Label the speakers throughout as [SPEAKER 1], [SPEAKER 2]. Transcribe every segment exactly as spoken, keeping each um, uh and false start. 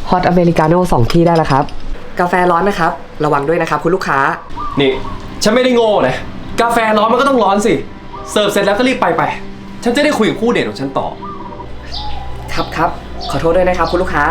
[SPEAKER 1] ฮอตอเมริกาโน่สองที่ได้แล้วครับกาแฟร้อนนะครับระวังด้วยนะครับคุณลูกค้า
[SPEAKER 2] นี่ฉันไม่ได้โง่นะกาแฟร้อนมันก็ต้องร้อนสิเสิร์ฟเสร็จแล้วก็รีบไปไปฉันจะได้คุยกับคู่เดทของฉันต่อ
[SPEAKER 1] ครับครับขอโทษด้วยนะครับคุณลูกค้า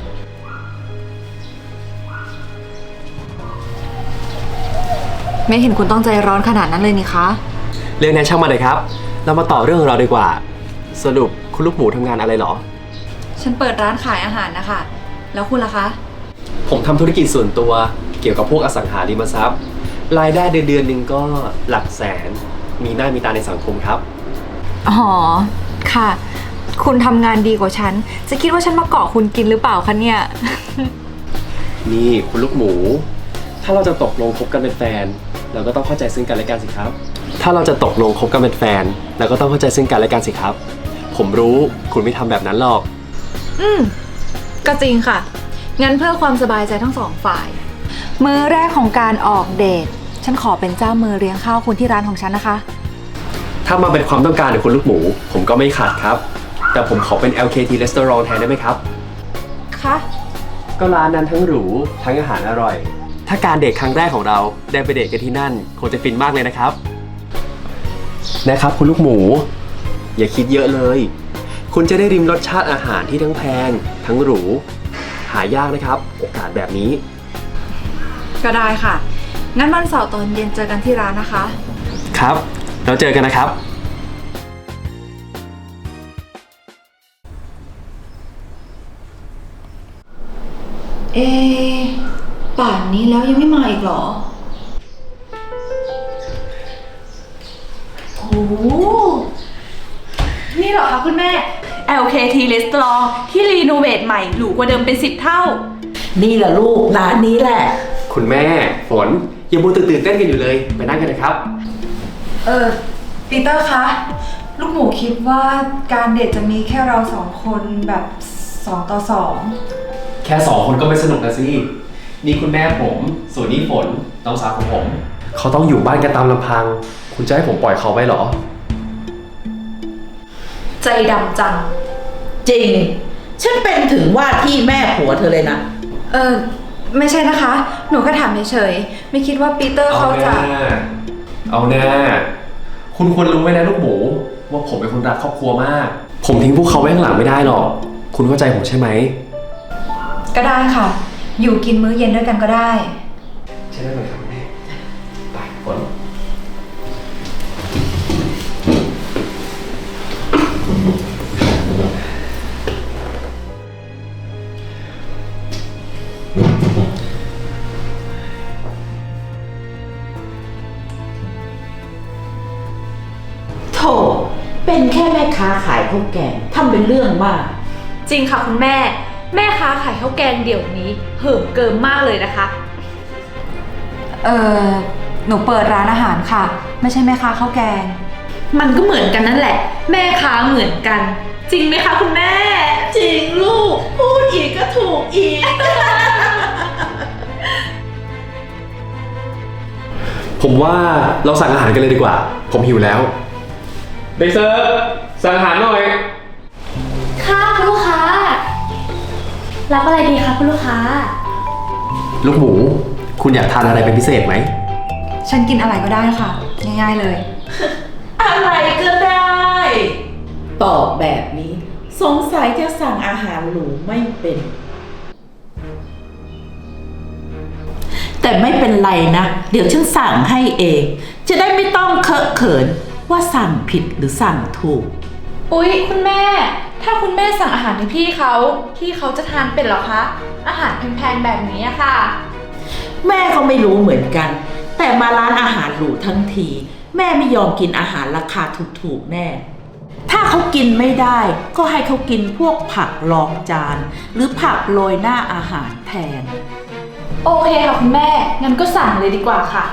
[SPEAKER 3] ไม่เห็นคุณต้องใจร้อนขนาดนั้นเลยนี่คะ
[SPEAKER 2] เรื่องนั้นช่างมาเลยครับเรามาต่อเรื่องของเราดีกว่าสรุปคุณลูกหมูทำงานอะไรหรอ
[SPEAKER 3] ฉันเปิดร้านขายอาหารนะคะแล้วคุณล่ะคะ
[SPEAKER 2] ผมทำธุรกิจส่วนตัวเกี่ยวกับพวกอสังหาริมทรัพย์รายได้เดือนเดือนหนึ่งก็หลักแสนมีหน้ามีตาในสังคมครับ
[SPEAKER 3] อ๋อค่ะคุณทำงานดีกว่าฉันจะคิดว่าฉันมาเกาะคุณกินหรือเปล่าคะเนี่ย
[SPEAKER 2] นี่คุณลูกหมูถ้าเราจะตกลงคบกันเป็นแฟนเราก็ต้องเข้าใจซึ่งกันและกันสิครับถ้าเราจะตกลงคบกันเป็นแฟนเราก็ต้องเข้าใจซึ่งกันและกันสิครับผมรู้คุณไม่ทำแบบนั้นหรอก
[SPEAKER 3] อืมก็จริงค่ะงั้นเพื่อความสบายใจทั้งสองฝ่ายมื้อแรกของการออกเดทฉันขอเป็นเจ้ามือเลี้ยงข้าวคุณที่ร้านของฉันนะคะ
[SPEAKER 2] ถ้ามาเป็นความต้องการของคุณลูกหมูผมก็ไม่ขาดครับแต่ผมขอเป็น แอล เค ที Restaurant แทนได้ไหมครับ
[SPEAKER 3] คะ
[SPEAKER 2] ก็ร้านนั้นทั้งหรูทั้งอาหารอร่อยถ้าการเดทครั้งแรกของเราได้ไปเดทกันที่นั่นคงจะฟินมากเลยนะครับนะครับคุณลูกหมูอย่าคิดเยอะเลยคุณจะได้ริมรสชาติอาหารที่ทั้งแพงทั้งหรูหายากนะครับโอกาสแบบนี้
[SPEAKER 3] ก็ได้ค่ะงั้นวันเสาร์ตอนเย็นเจอกันที่ร้านนะคะ
[SPEAKER 2] ครับเราเจอกันนะครับ
[SPEAKER 3] เอป่านนี้แล้วยังไม่มาอีกเหรอ
[SPEAKER 4] โอ้นี่เหรอคะคุณแม่ แอล เค ที Restaurant ที่รีโนเวทใหม่หรูกว่าเดิมเป็นสิบเท่า
[SPEAKER 5] นี่แหละลูกร้านนี้แหละ
[SPEAKER 2] คุณแม่ฝนยังมัวตื่นเต้นกันอยู่เลยไปนั่งกันนะครับ
[SPEAKER 3] เออปีเตอร์คะลูกหมูคิดว่าการเดทจะมีแค่เราสองคนแบบสองต่อสอง
[SPEAKER 2] แค่สองคนก็ไม่สนุกนะสินี่คุณแม่ผมส่วนนี้ฝนน้องสาวของผมเขาต้องอยู่บ้านกันตามลำพังคุณจะให้ผมปล่อยเขาไปหรอ
[SPEAKER 4] ใจดำจัง
[SPEAKER 5] จริงฉันเป็นถึงว่าที่แม่ผัวเธอเลยนะ
[SPEAKER 3] เออไม่ใช่นะคะหนูก็ถามเฉยๆไม่คิดว่าปีเตอร์เขาจะ
[SPEAKER 2] เอาแน่คุณควรรู้ไว้นะลูกหมูว่าผมเป็นคนรักครอบครัวมากผมทิ้งพวกเขาไว้ข้างหลังไม่ได้หรอกคุณเข้าใจผมใช่ไหม
[SPEAKER 3] ก็ได้ค่ะอยู่กินมื้อเย็นด้วยกันก็ได้
[SPEAKER 2] ใช่ได้ไหมครับแม่ไปฝน
[SPEAKER 5] โถเป็นแค่แม่ค้าขายข้าวแกงทำเป็นเรื่องมาก
[SPEAKER 4] จริงค่ะคุณแม่แม่ค้าขายข้าวแกงเดี๋ยวนี้เหิมเกิมมากเลยนะคะ
[SPEAKER 3] เออหนูเปิดร้านอาหารค่ะไม่ใช่แม่ค้าข้าวแกง
[SPEAKER 4] มันก็เหมือนกันนั่นแหละแม่ค้าเหมือนกันจริงไหมคะคุณแม่
[SPEAKER 5] จริงลูกพูดอีกก็ถูกอีก
[SPEAKER 2] ผมว่าเราสั่งอาหารกันเลยดีกว่าผมหิวแล้วเด็กเสิร์ฟสั่งอาหารหน่อย
[SPEAKER 6] ค่ะคุณลูกค้ารับอะไรดีคะคุณลูกค้า
[SPEAKER 2] ลูกหมูคุณอยากทานอะไรเป็นพิเศษไหม
[SPEAKER 3] ฉันกินอะไรก็ได้ค่ะง่ายๆเลย
[SPEAKER 5] อะไรก็ได้ตอบแบบนี้สงสัยจะสั่งอาหารหรูไม่เป็นแต่ไม่เป็นไรนะเดี๋ยวฉันสั่งให้เองจะได้ไม่ต้องเคอะเขินว่าสั่งผิดหรือสั่งถูก
[SPEAKER 4] อุ๊ยคุณแม่ถ้าคุณแม่สั่งอาหารให้พี่เขาพี่เขาจะทานเป็นหรอคะอาหารแพงๆแบบนี้อะค่ะ
[SPEAKER 5] แม่ก็ไม่รู้เหมือนกันแต่มาร้านอาหารหรูทั้งทีแม่ไม่ยอมกินอาหารราคาถูกๆแน่ถ้าเขากินไม่ได้ก็ให้เขากินพวกผักรองจานหรือผักโรยหน้าอาหารแทน
[SPEAKER 4] โอเคค่ะคุณแม่งั้นก็สั่งเลยดีกว่าค่ะ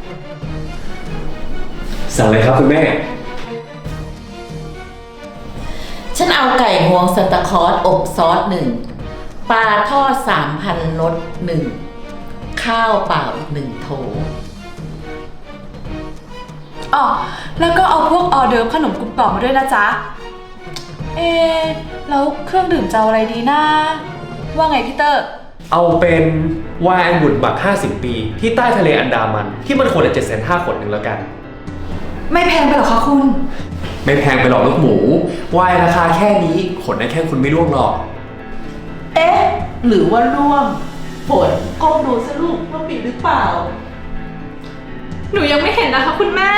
[SPEAKER 2] สั่งเลยครับคุณแม่
[SPEAKER 5] ฉันเอาไก่งวงสตาคอร์สอบซอสหนึ่งปลาทอดสามพันรสหนึ่งข้าวเปล่าอีกหนึ่งโถ
[SPEAKER 4] อ๋อแล้วก็เอาพวกออเดิร์ฟขนมกรุบกรอบมาด้วยนะจ๊ะเอ๊แล้วเครื่องดื่มจะเอาอะไรดีนะว่าไงพี่เตอร์
[SPEAKER 2] เอาเป็นไวน์องุ่นหมักห้าสิบปีที่ใต้ทะเลอันดามันที่มันขวดละเจ็ดแสนห้าขวดหนึ่งแล้วกัน
[SPEAKER 3] ไม่แพงไปหรอคะคุณ
[SPEAKER 2] ไม่แพงไปหรอกลูกหมูไวน์ราคาแค่นี้ขนได้แค่คุณไม่ร่วงหรอก
[SPEAKER 5] เอ๊ะ หรือว่าร่วงฝนก้มดูสิลูกว่ามีหรือเปล่า
[SPEAKER 4] หนูยังไม่เห็นนะคะคุณแม่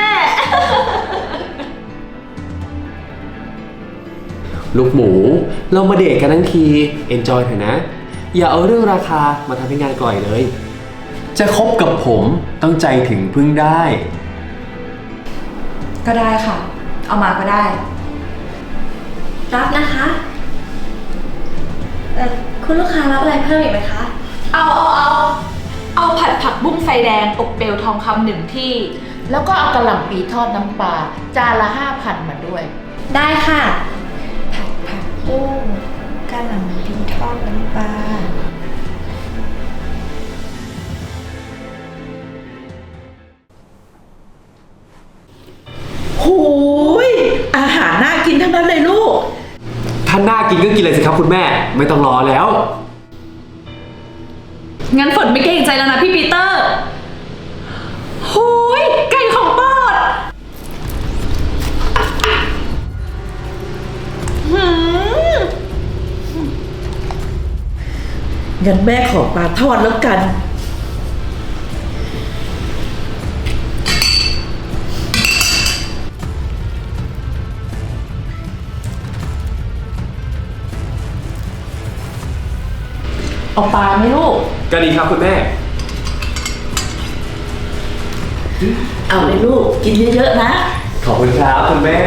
[SPEAKER 2] ลูกหมูเรามาเดทกันทั้งที enjoy เถอะนะ อย่าเอาเรื่องราคามาทำให้งานกล่อยเลย จะคบกับผมต้องใจถึงพึ่งได้
[SPEAKER 3] ก็ได้ค่ะ เอามาก็ได้
[SPEAKER 6] รับนะคะเอ่อคุณลูกค้ารับอะไรเพิ่มอีกไหมคะ
[SPEAKER 4] เอาเอาเอาเอาผัดผักบุ้งไฟแดงอบเปลวทองคำหนึ่งที่
[SPEAKER 5] แล้วก็เอากระหล่ำปีทอดน้ำปลาจานละห้าพันมาด้วย
[SPEAKER 6] ได้ค่ะ ผัดผักบุ้งกะหล่ำปีทอดน้ำปลา
[SPEAKER 5] หูย อาหารน่ากินทั้งนั้นเลยลูก
[SPEAKER 2] ถ้าน่ากินก็กินเลยสิครับคุณแม่ ไม่ต้องรอแล้ว
[SPEAKER 4] งั้นฝนไม่เกรงใจแล้วนะพี่ปีเตอร์หูยไก่ของโปรดหืม
[SPEAKER 5] งั้นแม่ขอปลาทอดแล้วกัน เอาปลาไหมลูก
[SPEAKER 2] ก็ดีครับคุณแม่
[SPEAKER 5] เอาเลยลูก กินเยอะๆนะ
[SPEAKER 2] ขอบคุณครับคุณแม่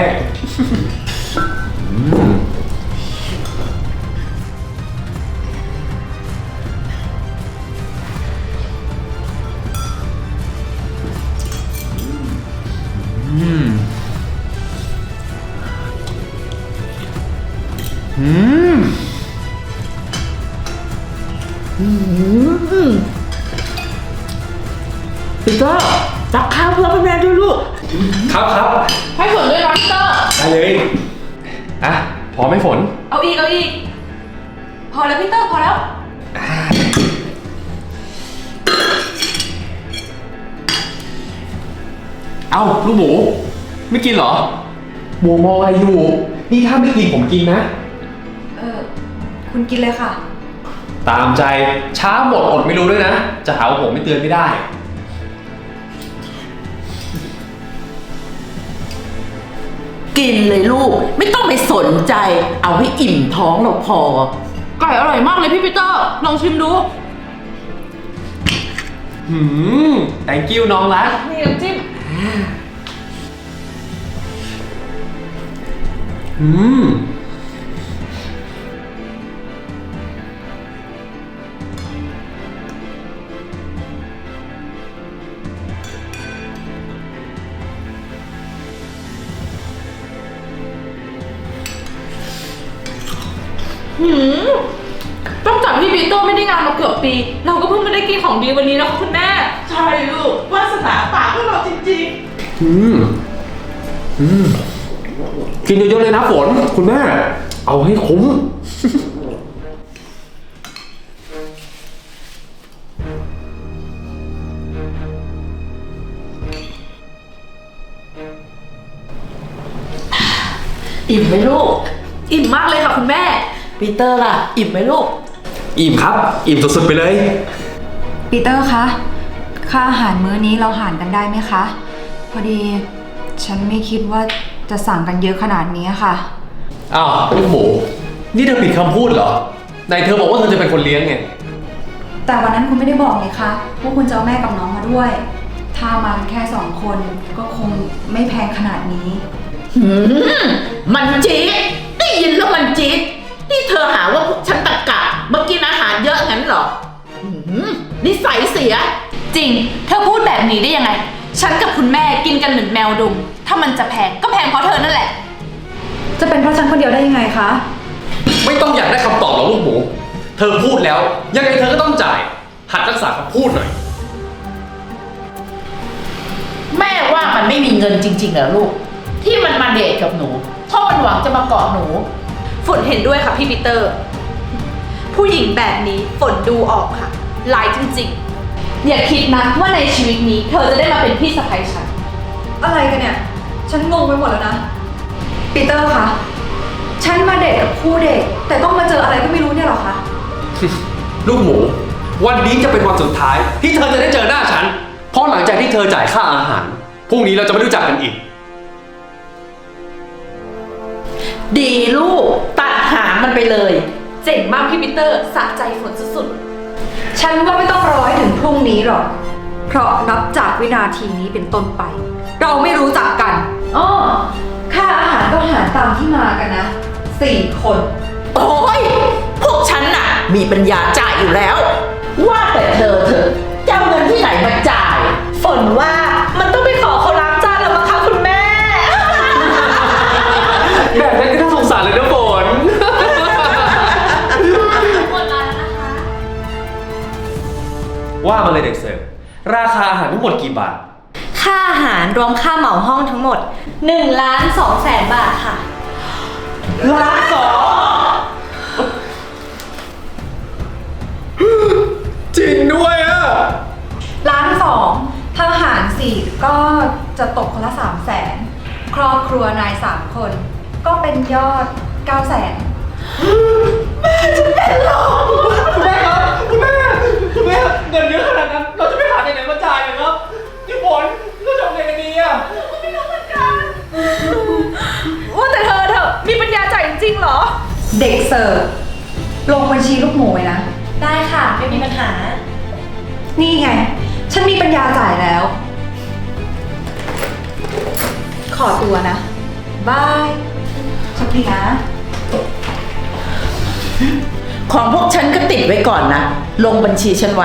[SPEAKER 5] ปีเตอร์ตักข้าวเพื่อแม่ด้วยลูก
[SPEAKER 2] ครับครับ
[SPEAKER 4] ให้ฝนด้วยนะพี่เตอร์
[SPEAKER 2] ได้เลย อ่ะ พอไหมฝน
[SPEAKER 4] เอาอีกเอาอีก พอแล้วพี่เตอร์พอแล้ว
[SPEAKER 2] เอ้าลูกหมู ไม่กินเหรอหมูมองอะไรอยู่ นี่ถ้าไม่กินผมกินนะ
[SPEAKER 3] เออคุณกินเลยค่ะ
[SPEAKER 2] ตามใจช้าหมดอดไม่รู้ด้วยนะ จะหาว่าผมไม่เตือนไม่ได้
[SPEAKER 5] กินเลยลูก ไม่ต้องไปสนใจ เอาให้อิ่มท้องเราพอ
[SPEAKER 4] ไก่อร่อยมากเลยพี่ปีเตอร์ ลองชิมดู
[SPEAKER 2] หืม thank you น้องรัก
[SPEAKER 4] นี่น้ำจิ้ม
[SPEAKER 2] อืม
[SPEAKER 4] หืมตั้งแต่พี่ปีเตอร์ไม่ได้งานมาเกือบปี เราก็เพิ่งมาได้กินของดีวันนี้นะคุณแม่
[SPEAKER 5] ใช่ลูก วาสนาปากของเราจริง
[SPEAKER 2] อืม อืม กินเยอะๆเลยนะฝน คุณแม่ เอาให้คุ้ม
[SPEAKER 5] ๆ อิ่มไหมลูก
[SPEAKER 4] อิ่มมากเลยค่ะคุณแม่
[SPEAKER 5] ปีเตอร์ล่ะ อิ่มไหมลูก
[SPEAKER 2] อิ่มครับ อิ่มสุดๆไปเลย
[SPEAKER 3] ปีเตอร์คะ ค่าอาหารมื้อนี้เราหารกันได้ไหมคะ พอดีฉันไม่คิดว่าจะสั่งกันเยอะขนาดนี้ค่ะ
[SPEAKER 2] อ้าวลูกหมู นี่เธอผิดคำพูดเหรอไหนเธอบอกว่าเธอจะเป็นคนเลี้ยงไง
[SPEAKER 3] แต่วันนั้นคุณไม่ได้บอกเลยคะว่าคุณจะเอาแม่กับน้องมาด้วย ถ้ามากันแค่สองคนก็คงไม่แพงขนาดนี้
[SPEAKER 5] หืม มันจี๊ดได้ยินแล้วมันจี๊ดนี่เธอหาว่าพวกฉันตะกะมากินอาหารเยอะงั้นเหรอหืมนิสัยเสีย
[SPEAKER 4] จริง เธอพูดแบบนี้ได้ยังไง ฉันกับคุณแม่กินกันเหมือนแมวดุม ถ้ามันจะแพงก็แพงเพราะเธอนั่นแหละ
[SPEAKER 3] จะเป็นเพราะฉันคนเดียวได้ยังไงคะ
[SPEAKER 2] ไม่ต้องอยากได้คำตอบหรอกลูกหมู เธอพูดแล้ว ยังไงเธอก็ต้องจ่าย หัดรักษาคำพูดหน่อย
[SPEAKER 5] แม่ว่ามันไม่มีเงินจริงๆเหรอลูก ที่มันมาเดทกับหนูเพราะมันหวังจะมาเกาะหนู
[SPEAKER 4] ฝนเห็นด้วยค่ะพี่ปีเตอร์ผู้หญิงแบบนี้ฝนดูออกค่ะร้ายจริงๆ อย่าคิดนะว่าในชีวิตนี้เธอจะได้มาเป็นพี่สะใภ้ฉัน
[SPEAKER 3] อะไรกันเนี่ย ฉันงงไปหมดแล้วนะ ปีเตอร์คะ ฉันมาเดทกับคู่เด็ก แต่ต้องมาเจออะไรก็ไม่รู้เนี่ยหรอคะ
[SPEAKER 2] ลูกหมู วันนี้จะเป็นวันสุดท้าย ที่เธอจะได้เจอหน้าฉัน เพราะหลังจากที่เธอจ่ายค่าอาหารพรุ่งนี้เราจะไม่รู้จักกันอีก
[SPEAKER 5] ดีลูก ตัดหางมันไปเลย
[SPEAKER 4] เจ๋งมากพี่ปีเตอร์สะใจฝนสุด
[SPEAKER 3] ฉันว่าไม่ต้องรอให้ถึงพรุ่งนี้หรอก เพราะนับจากวินาทีนี้เป็นต้นไป เราไม่รู้จักกันอ้อค่าอาหารก็หารตามที่มากันนะ สี่คน
[SPEAKER 5] โอ้ย พวกฉันน่ะ มีปัญญาจ่ายอยู่แล้ว ว่าแต่เธอเธอจะเอาเงินที่ไหนมาจ่าย ฝนว่ามันต้องไปขอเขาล้างจานแล้วมั้งคะคุณแม่
[SPEAKER 2] แบบนั้นก็น่าสงสารเลยนะฝน
[SPEAKER 4] ๆหมดแล้วนะคะ
[SPEAKER 2] ว่ามาเลยเด็กเสิร์ฟราคาอาหารทั้งหมดกี่บาท
[SPEAKER 6] ค่าอาหารรวมค่าเหมาห้องทั้งหมด1ล้าน2แสนบาทค่ะ
[SPEAKER 2] ล้านสองจริงด้วยอ่ะ
[SPEAKER 3] ล้านสองถ้าหารสี่ก็จะตกคนละสามแสน ครอบครัวนายสามคน ก็เป็นยอดเก้าแสน
[SPEAKER 2] คุณแม่ครับ คุณแม่ คุณแม่ เงินเยอะขนาดนั้น เราจะไปหาจากไหนมาจ่ายอะครับพี่ฝนเราจะเอาไงกันดีอ่ะ
[SPEAKER 4] ว่าแต่เธอเธอมีปัญญาจ่ายจริงๆเหรอ
[SPEAKER 3] เด็กเสิร์ฟลงบัญชีลูกหมูไว้นะ
[SPEAKER 6] ได้ค่ะ ไม่มีปัญหา
[SPEAKER 3] นี่ไง ฉันมีปัญญาจ่ายแล้ว ขอตัวนะ บายโชคดีนะ
[SPEAKER 5] ของพวกฉันก็ติดไว้ก่อนนะ ลงบัญชีฉันไว้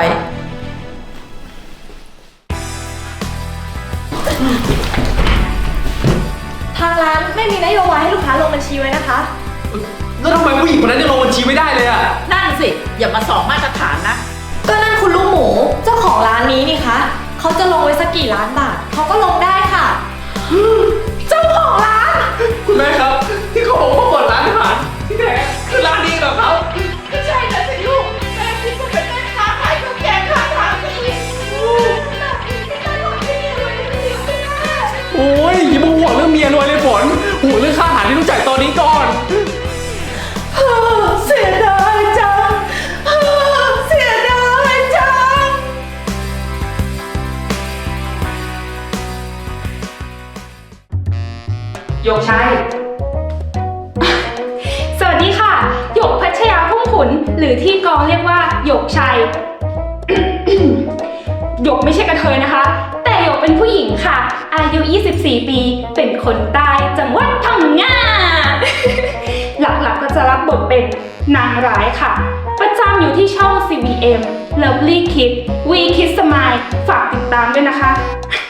[SPEAKER 6] ทางร้านไม่มีนโยบายให้ลูกค้าลงบัญชีไว้นะคะ
[SPEAKER 2] แล้วทำไมผู้หญิงคนนั้นยังลงบัญชีไม่ได้เลยอ่ะ
[SPEAKER 5] นั่นสิ อย่ามาสองมาตรฐานนะ
[SPEAKER 6] ก็นั่นคุณลูกหมูเจ้าของร้านนี้นี่คะเขาจะลงไว้สักกี่ล้านบาทเขาก็ลงได้ค่ะ
[SPEAKER 4] เจ้าของร้าน
[SPEAKER 2] คุณแม่ครับ ที่เขาบอกว่าเปิดร้านอาหารที่แท้คือร้านนี้เหรอครับ
[SPEAKER 4] ไม่ใช่นะสิลูกแม่คิดว่าเป็นแม่ค้าขายข้าวแกงข้างทางสิแบบนี้ไม่ได้หรอกที่รวยไม่ดีไม่ได้
[SPEAKER 2] โอ้ยอย่ามาห่วงเรื่องเมียรวยเลยฝนห่วงเรื่องค่าอาหารที่ต้องจ่ายตอนนี้ก่อน
[SPEAKER 5] เสียดายจัง เสียดายจัง
[SPEAKER 7] หยกชัย สวัสดีค่ะ หยกพัชยาพุ่มขุน หรือที่กองเรียกว่าหยกชัย หยกไม่ใช่กระเทยนะคะ แต่หยกเป็นผู้หญิงค่ะ อายุ ยี่สิบสี่ ปี เป็นคนใต้จังหวัดพังงา หลักๆก็จะรับบทเป็นนางร้ายค่ะ ประจำอยู่ที่ช่อง ซี บี เอ็ม Lovely Kids We Kids Smile ฝากติดตามด้วยนะคะ